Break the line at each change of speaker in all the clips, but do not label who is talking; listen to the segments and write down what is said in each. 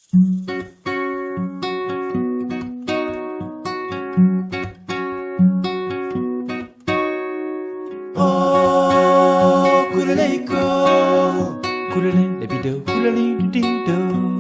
Oh, kulelejko, kulele, lebido, kulelidido.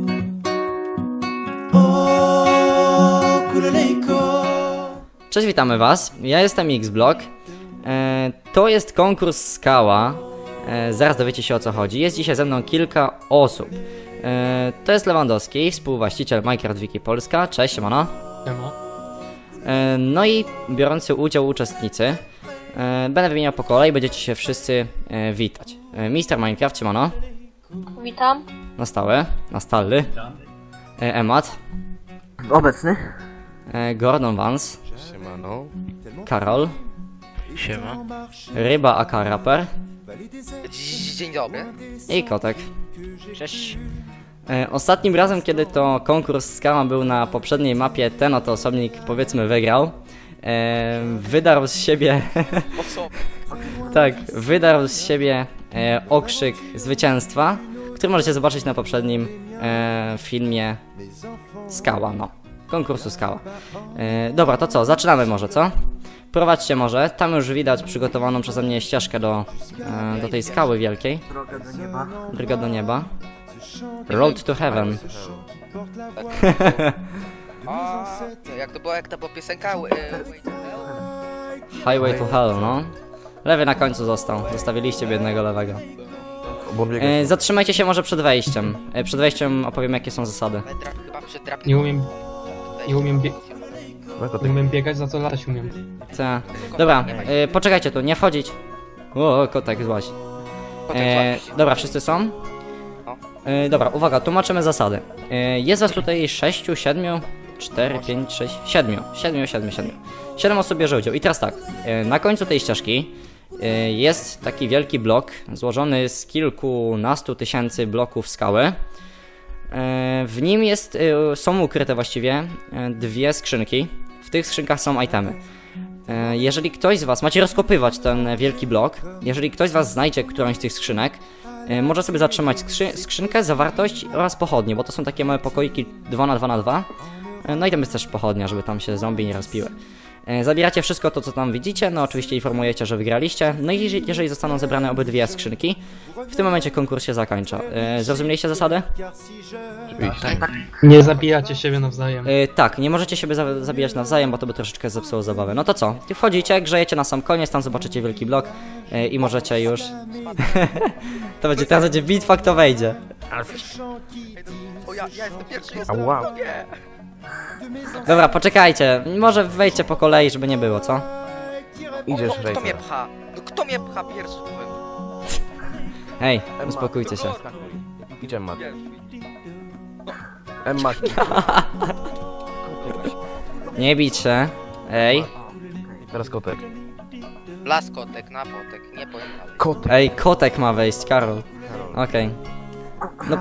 Oh, kulelejko.
Cześć, witamy was. Ja jestem Xblock. To jest konkurs Skała. Zaraz dowiecie się, o co chodzi. Jest dzisiaj ze mną kilka osób. To jest Lewandowski, współwłaściciel Minecraft Wiki Polska. Cześć, siemano.
Siema.
No i biorący udział uczestnicy. Będę wymieniał po kolei, będziecie się wszyscy witać. Mister Minecraft, siemano.
Witam.
Na stałe, na stalny. Emat.
Obecny.
Gordon Vance.
Siemano.
Karol.
Siema.
Ryba aka Raper.
Dzień dobry.
I Kotek.
Cześć.
Ostatnim razem, kiedy to konkurs Skała był na poprzedniej mapie, ten oto osobnik, powiedzmy, wygrał. Wydarł z siebie...
O co?
tak, wydarł z siebie okrzyk zwycięstwa, który możecie zobaczyć na poprzednim filmie Skała, no. Konkursu Skała. Dobra, to co? Zaczynamy może, co? Prowadźcie może. Tam już widać przygotowaną przeze mnie ścieżkę do tej skały wielkiej.
Droga do nieba.
Droga do nieba. Road to Heaven.
A, jak to była piosenka?
Highway to Hell, no. Lewy na końcu został. Zostawiliście biednego lewego. Zatrzymajcie się może przed wejściem. Przed wejściem opowiem, jakie są zasady.
Chyba przed drapiem.
Nie umiem biegać, za co latać umiem.
Ta. Dobra, poczekajcie tu, nie wchodzić. O, kotek złaś. Dobra, wszyscy są? Dobra, uwaga, tłumaczymy zasady. Jest was tutaj 6, 7, 4, 5, 6, 7. 7 osób bierze udział. I teraz tak, na końcu tej ścieżki jest taki wielki blok złożony z kilkunastu tysięcy bloków skały. W nim są ukryte właściwie dwie skrzynki. W tych skrzynkach są itemy. Jeżeli ktoś z was, macie rozkopywać ten wielki blok, jeżeli ktoś z was znajdzie którąś z tych skrzynek, może sobie zatrzymać skrzynkę, zawartość oraz pochodnie, bo to są takie małe pokoiki 2x2x2. No i tam jest też pochodnia, żeby tam się zombie nie rozpiły. Zabieracie wszystko to, co tam widzicie, no oczywiście informujecie, że wygraliście. No i jeżeli zostaną zebrane obydwie skrzynki, w tym momencie konkurs się zakończa. Zrozumieliście zasady?
Nie zabijacie siebie nawzajem.
Tak, nie możecie siebie zabijać nawzajem, bo to by troszeczkę zepsuło zabawę. No to co? Wchodzicie, grzejecie na sam koniec, tam zobaczycie wielki blok i możecie już... to będzie, teraz będzie bitwa, kto wejdzie.
O, ja jestem pierwszy,
Wow.
Dobra, poczekajcie, może wejdźcie po kolei, żeby nie było, co?
Idziesz,
Kto mnie pcha? No kto mnie pcha pierwszy? Powiem.
Hej, uspokójcie się.
Idzie Mat. Emma.
Nie bić się. Ej,
Teraz kotek.
Laskotek, napotek, nie powiem dalej.
Kotek.
ej, kotek ma wejść, Karol. Okej. No.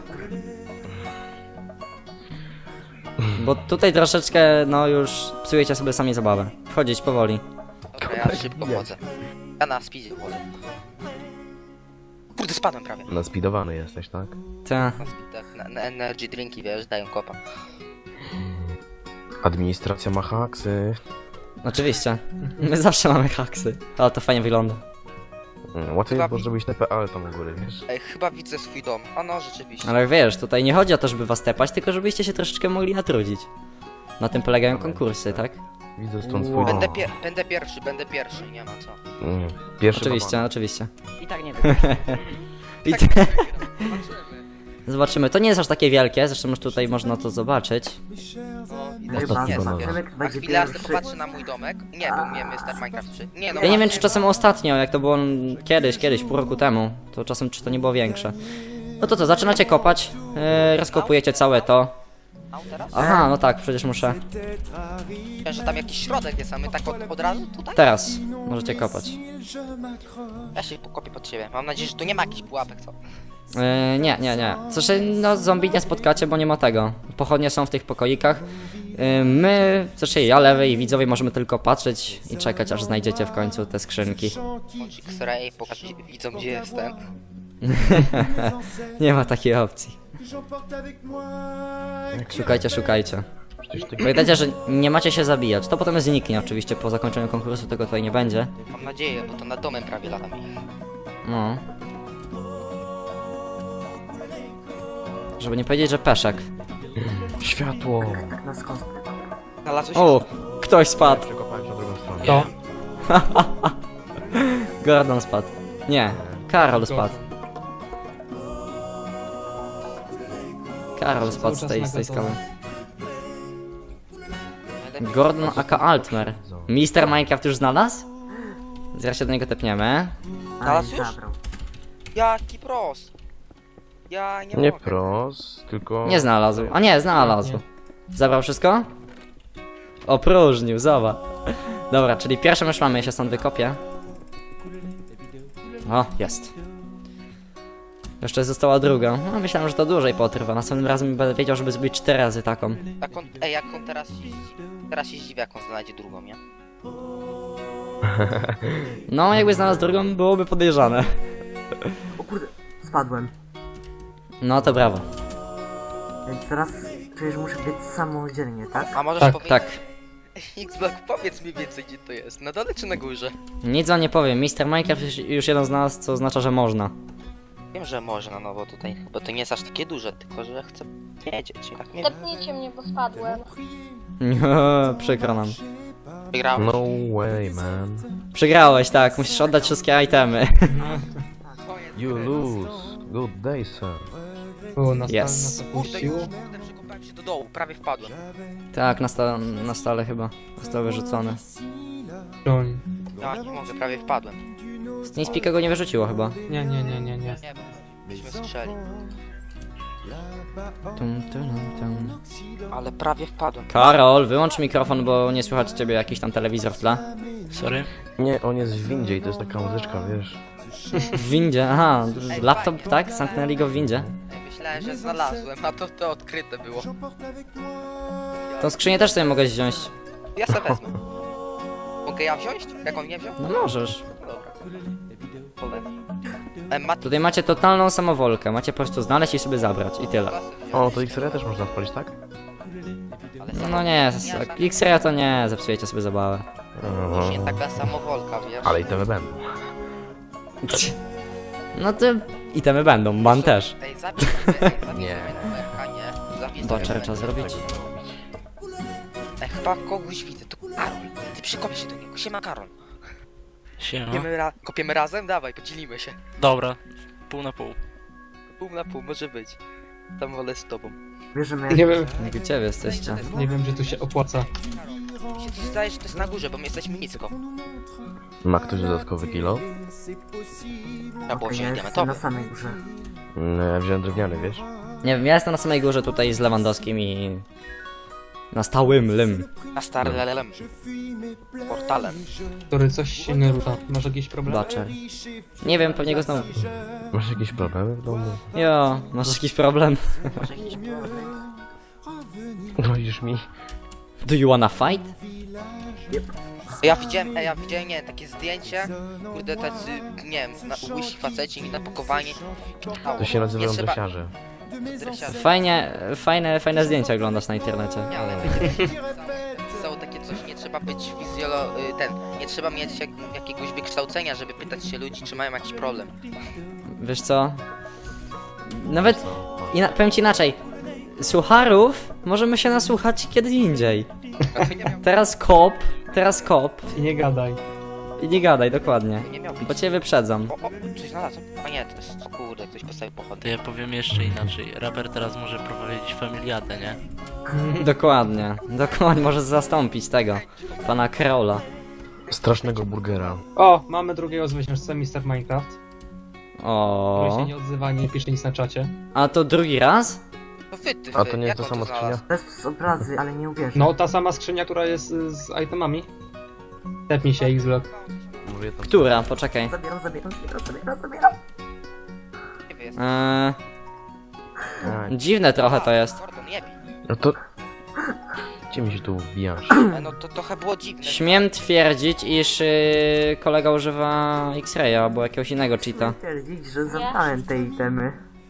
Bo tutaj troszeczkę, no już psujecie sobie sami zabawę. Wchodzić powoli.
Dobra, ja szybko chodzę. Ja na speedzie chodzę. Kurde, spadłem prawie.
Naspidowany jesteś, tak?
Ta.
Na speedach, na energy drinki, wiesz, dają kopa.
Administracja ma haksy.
Oczywiście. My zawsze mamy haksy. Ale to fajnie wygląda.
Łatwiej
Chyba
było zrobić TPA tam u góry, wiesz?
Ej, chyba widzę swój dom. A no, rzeczywiście.
Ale wiesz, tutaj nie chodzi o to, żeby was tepać, tylko żebyście się troszeczkę mogli natrudzić. Na tym polegają konkursy, tak?
Widzę stąd swój dom.
Będę pierwszy, nie ma co.
Pierwszy
Oczywiście, oczywiście.
I tak nie wiem.
I Zobaczymy, to nie jest aż takie wielkie, zresztą już tutaj można to zobaczyć.
Ostatni
Nie,
bonus.
na chwilę ja sobie popatrzę na mój domek. Nie, był mnie Mr. Minecraft 3. Nie, no
Ja nie wiem, czy czasem ostatnio, jak to było kiedyś, pół roku temu, to czasem czy to nie było większe. No to co, zaczynacie kopać, rozkopujecie całe to.
teraz?
Aha, no tak, przecież muszę.
Myślałem, że tam jakiś środek jest, a my tak od razu tutaj?
Teraz możecie kopać.
Ja się pokopię pod siebie. Mam nadzieję, że tu nie ma jakichś pułapek, co?
Nie. Zresztą, no zombie nie spotkacie, bo nie ma tego. Pochodnie są w tych pokoikach. My, znaczy ja, lewy i widzowie możemy tylko patrzeć i czekać, aż znajdziecie w końcu te skrzynki.
X-ray, pokaż widzom, gdzie jestem.
Nie ma takiej opcji.
J'emporte avec moi.
Szukajcie, szukajcie.
Przecież ty...
Pamiętajcie, że nie macie się zabijać. To potem zniknie oczywiście po zakończeniu konkursu, tego tutaj nie będzie.
Mam nadzieję, bo to nad domem prawie latam.
No. Żeby nie powiedzieć, że peszek.
Światło!
Znalazłeś?
O, ktoś spadł.
Przekopałem się na drugą stronę.
To?
Gordon spadł. Nie, Karol spadł. Karol spadł z tej skały. Gordon aka Altmer. Mister Minecraft już znalazł? Zaraz się do niego tepniemy.
Znalazł już? Jaki pros? Ja nie
Nie
mogę.
pros, tylko...
Nie znalazł. A nie, znalazł. Zabrał wszystko? Opróżnił, zobacz. Dobra, czyli pierwszą już mamy, ja się stąd wykopię. O, jest. Jeszcze została druga. No, myślałem, że to dłużej potrwa. Następnym razem będę wiedział, żeby zrobić 4 razy taką.
Jak on teraz jeździ? Teraz się zdziwi, jak on znajdzie drugą, nie?
No, jakby znalazł drugą, byłoby podejrzane.
O kurde, spadłem.
No to brawo.
Więc teraz czuję, że muszę biec samodzielnie, tak?
A możesz
Tak,
powiedzieć...
Tak.
X-Block, powiedz mi więcej, gdzie to jest. Na dole czy na górze?
Nic wam nie powiem. Mister Minecraft już jeden znalazł, co oznacza, że można.
Wiem, że można, no bo tutaj chyba to nie jest aż takie duże, tylko że chcę wiedzieć. Tak nie
Tepnijcie mnie, bo spadłem.
Przykro nam.
wygrałem.
No way, man.
Przegrałeś, tak. Musisz oddać wszystkie itemy.
You lose. Good day, sir.
O, nas
Yes.
nas
Kurde,
opuściło.
kurde, przekopałem się do dołu, prawie wpadłem.
Tak, na stole chyba. Został wyrzucony.
Broń.
Ja nie mogę, prawie wpadłem.
Z Teamspeaka go nie wyrzuciło chyba.
Nie.
Nie wiem, byśmy strzeli.
Tum.
Ale prawie wpadłem.
Karol, wyłącz mikrofon, bo nie słychać ciebie, jakiś tam telewizor w tle.
Sorry?
Nie, on jest w windzie i to jest taka muzyczka, wiesz.
W windzie, aha. Laptop, tak? Zamknęli go w windzie.
Myślałem, że znalazłem, a to odkryte było.
Tą skrzynię też sobie mogę wziąć.
Ja se wezmę. Mogę ja wziąć? Jak on nie wziął?
No możesz.
Dobra. Mat...
Tutaj macie totalną samowolkę. Macie po prostu znaleźć i sobie zabrać. I tyle.
O, to X-Ray też można odpalić, tak?
No nie, X-Raya to nie, zepsujecie sobie zabawę.
Już nie taka samowolka, wiesz?
Ale i te będą.
No to itemy będą, man też.
Ej, zabij sobie
Nie.
numerka, nie? Zabij sobie
Boczek
numerka.
trzeba zrobić.
Ej, chyba kogoś widzę, to Karol. Ty przykopię się do niego, siema Karol.
Siema.
Kopiemy razem? Dawaj, podzielimy się.
Dobra, pół na pół.
Pół na pół, może być. Tam wolę z tobą.
Bierzemy
Nie wiem,
Gdzie wy jesteście?
nie wiem, że tu się opłaca.
Mi się zdaje, że to jest na górze, bo my jesteśmy nisko.
Ma ktoś dodatkowy kilo?
Trzeba było
Okej,
wziąć
ja jestem na
diamentowy.
samej górze.
No, ja wziąłem drewniany, wiesz?
Nie wiem, ja jestem na samej górze tutaj z Lewandowskim i... Na stałym lym.
Na stary lelem. Portalem.
Który coś się nie rusza. Masz jakieś problemy?
Butcher. Nie wiem, pewnie go znowu...
Masz jakieś problemy w domu?
Jo, masz jakiś problem?
Grozisz mi?
Do you wanna fight?
Ja widziałem, nie, takie zdjęcie. Kurde, tacy, nie wiem, łysi faceci napakowani.
To się nazywają
Nie trzeba-
dresiarze.
Dresiarze.
Fajne zdjęcia oglądasz na internecie.
Nie, ale pisało takie coś, nie trzeba być nie trzeba mieć jakiegoś wykształcenia, żeby pytać się ludzi, czy mają jakiś problem.
Wiesz co? Nawet... powiem ci inaczej. Słucharów możemy się nasłuchać kiedy indziej. Teraz kop.
I nie gadaj.
I nie gadaj, dokładnie.
Nie miał być.
Bo cię wyprzedzam.
O, coś znalazłem. A nie, to jest, kurde, ktoś postawił
To
pochodnie.
ja powiem jeszcze inaczej. Raper teraz może prowadzić familiadę, nie?
Dokładnie. Może zastąpić tego. Pana Karola.
Strasznego burgera.
O, mamy drugiego zwycięzcę, Mr. Minecraft. Który się
O.
nie odzywa, nie pisze nic na czacie.
A to drugi raz?
No wy,
A to nie
jak
jest ta
on
sama
znalazł?
skrzynia?
Bez obrazy, ale nie uwierzę.
No, ta sama skrzynia, która jest z itemami. Tepnij się, X-Block.
Może je tam...
Która? Poczekaj.
Zabieram.
Gdzie wy jesteście?
A,
Dziwne trochę to jest.
Gordon, nie bij.
no to... Gdzie mi się tu wbijasz?
No to trochę było dziwne.
Śmiem twierdzić, iż kolega używa X-Raya albo jakiegoś innego cheata.
Twierdzić, że zabrałem te itemy.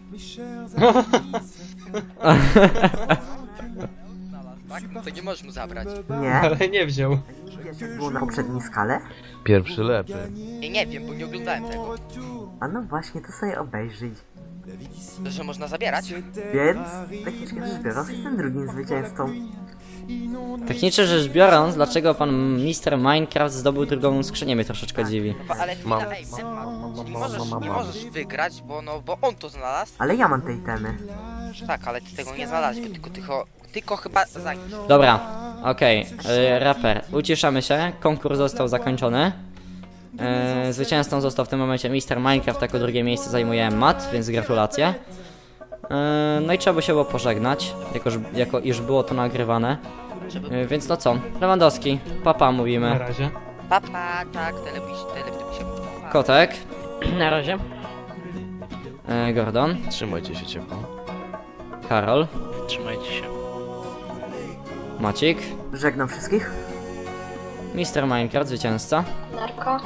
Tak? No to nie możesz mu zabrać.
Nie?
Ale nie wziął.
Wiesz jak było na poprzedniej skale?
Pierwszy lepy.
Nie wiem, bo nie oglądałem tego.
A no właśnie, to sobie obejrzyj.
To, że można zabierać?
Więc, technicznie rzecz biorąc, jestem drugim zwycięzcą.
Technicznie rzecz biorąc, dlaczego pan Mr. Minecraft zdobył drugą skrzynię, mnie troszeczkę dziwi.
No, ale chwila,
Mam.
ej, nie możesz wygrać, bo on to znalazł.
Ale ja mam te itemy.
Tak, ale ty tego nie znalazłeś, tylko chyba zaginiesz.
Dobra, okej, raper, uciszamy się, konkurs został zakończony. Zwycięzcą został w tym momencie Mr. Minecraft, jako drugie miejsce zajmuje Matt, więc gratulacje. No i trzeba by się było pożegnać, jako iż było to nagrywane. Więc no co, Lewandowski, papa
Na
mówimy.
razie.
Papa, tak, telewizyjnie.
Kotek,
Na razie.
Gordon,
Trzymajcie się ciepło.
Karol,
Trzymajcie się.
Macik,
Żegnam wszystkich.
Mr. Minecraft, zwycięzca.
Narko.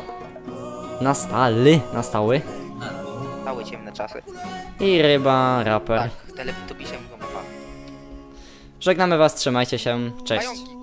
Na stały.
Cały ciemne czasy.
I ryba, raper.
Tak, telewizyjnie mówią papa.
Żegnamy was, trzymajcie się, cześć.
Pająki.